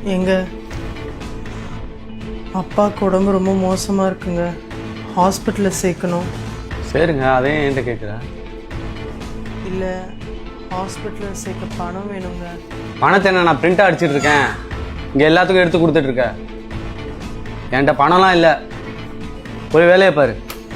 எங்க அப்பாவுக்கு உடம்பு ரொம்ப மோசமாக இருக்குங்க, ஹாஸ்பிட்டலில் சேர்க்கணும். சரிங்க, அதே என்கிட்ட கேட்குற. இல்லை, ஹாஸ்பிட்டலில் சேர்க்க பணம் வேணுங்க. பணத்தை என்ன நான் பிரிண்ட் அடிச்சிட்டு இருக்கேன், இங்கே எல்லாத்துக்கும் எடுத்து கொடுத்துட்டு இருக்கேன். என்கிட்ட பணம்லாம் இல்லை, ஒரு வேலையை பாரு.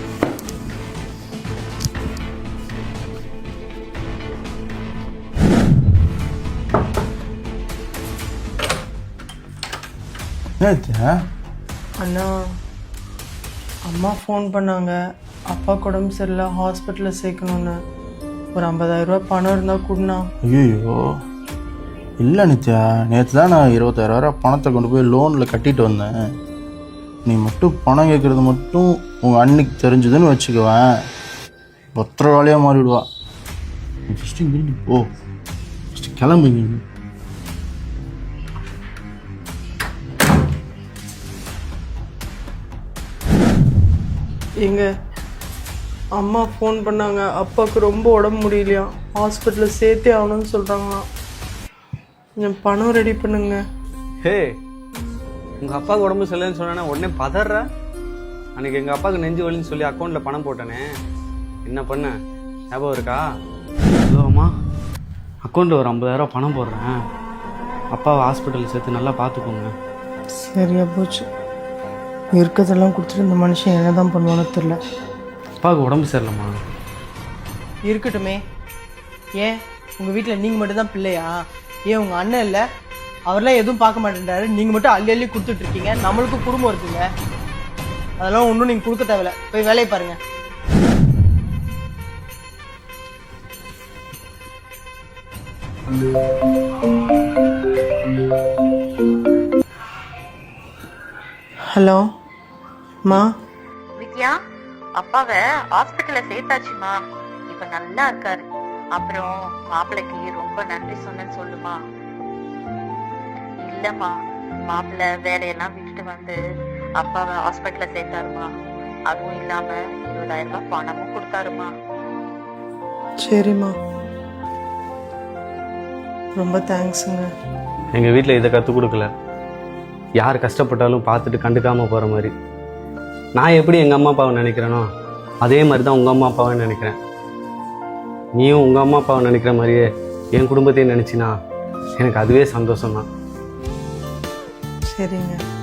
அண்ணா, அம்மா ஃபோன் பண்ணாங்க, அப்பாவுக்கு உடம்பு சரியில்லை, ஹாஸ்பிட்டலில் சேர்க்கணுன்னு. ஒரு 50,000 ரூபா பணம் இருந்தால் கொடுண்ணா. ஐயோ இல்லை நித்யா, நேற்று தான் நான் 20,000 பணத்தை கொண்டு போய் லோனில் கட்டிட்டு வந்தேன். நீ மட்டும் பணம் கேட்குறது மட்டும் உங்கள் அன்னைக்கு தெரிஞ்சதுன்னு வச்சுக்குவேன், பத்திரவாளியாக மாறிவிடுவா. ஃபஸ்ட்டு இங்கிருந்து போ, ஃபஸ்ட்டு கிளம்புங்க. எங்க அம்மா ஃபோன் பண்ணாங்க, அப்பாவுக்கு ரொம்ப உடம்பு முடியலையா, ஹாஸ்பிட்டலில் சேர்த்தே ஆகணும்னு சொல்கிறாங்களாம். கொஞ்சம் பணம் ரெடி பண்ணுங்க. ஹே, உங்கள் அப்பாவுக்கு உடம்பு சரியில்லைன்னு சொன்னா உடனே பதற. அன்னைக்கு எங்கள் அப்பாவுக்கு நெஞ்சு வலின்னு சொல்லி அக்கௌண்ட்டில் பணம் போட்டேனே, என்ன பண்ண ஞாபகம் இருக்கா? அம்மா, அக்கௌண்ட்டில் ஒரு 50,000 பணம் போடுறேன், அப்பாவை ஹாஸ்பிட்டலில் சேர்த்து நல்லா பார்த்துக்கோங்க. சரியா போச்சு. இருக்கிறதெல்லாம் கொடுத்துட்டு இந்த மனுஷன் என்ன தான் பண்ணுவானோ தெரில. அப்பாவுக்கு உடம்பு சரியில்லைம்மா. இருக்கட்டுமே, ஏன் உங்கள் வீட்டில் நீங்கள் மட்டும்தான் பிள்ளையா? ஏன் உங்கள் அண்ணன் இல்லை? அவரெல்லாம் எதுவும் பார்க்க மாட்டேன்றாரு, நீங்கள் மட்டும் அள்ளி அள்ளி கொடுத்துட்ருக்கீங்க. நம்மளுக்கும் குடும்பம் இருக்குங்க, அதெல்லாம் ஒன்றும் நீங்கள் கொடுக்க தேவையில்ல. போய் வேலையை பாருங்கள். ஹலோ மா. வித்யா, அப்பாவை ஹாஸ்பிட்டல்ல சேர்த்தாச்சுமா, இப்ப நல்லா இருக்காரு. அப்புறம் மாப்பிள்ளைக்கு ரொம்ப நன்றி சொன்னேன்னு சொல்லுமா. இல்லம்மா, மாப்பிள்ளை வேலையெல்லாம் விட்டுட்டு வந்து அப்பாவை ஹாஸ்பிட்டல்ல சேர்த்தாருமா. அதுவும் இல்லாம 20,000 ரூபாய் பணமும் கொடுத்தாருமா. சரிம்மா, ரொம்ப தேங்க்ஸுங்க. எங்கள் வீட்டில் இதை கற்றுக் கொடுக்கல, யார் கஷ்டப்பட்டாலும் பார்த்துட்டு கண்டுக்காமல் போகிற மாதிரி. நான் எப்படி எங்கள் அம்மா அப்பாவை நினைக்கிறேனோ அதே மாதிரி தான் உங்கள் அம்மா அப்பாவை நினைக்கிறேன். நீயும் உங்கள் அம்மா அப்பாவை நினைக்கிற மாதிரியே என் குடும்பத்தையும் நினச்சினா எனக்கு அதுவே சந்தோஷம் தான். சரிங்க.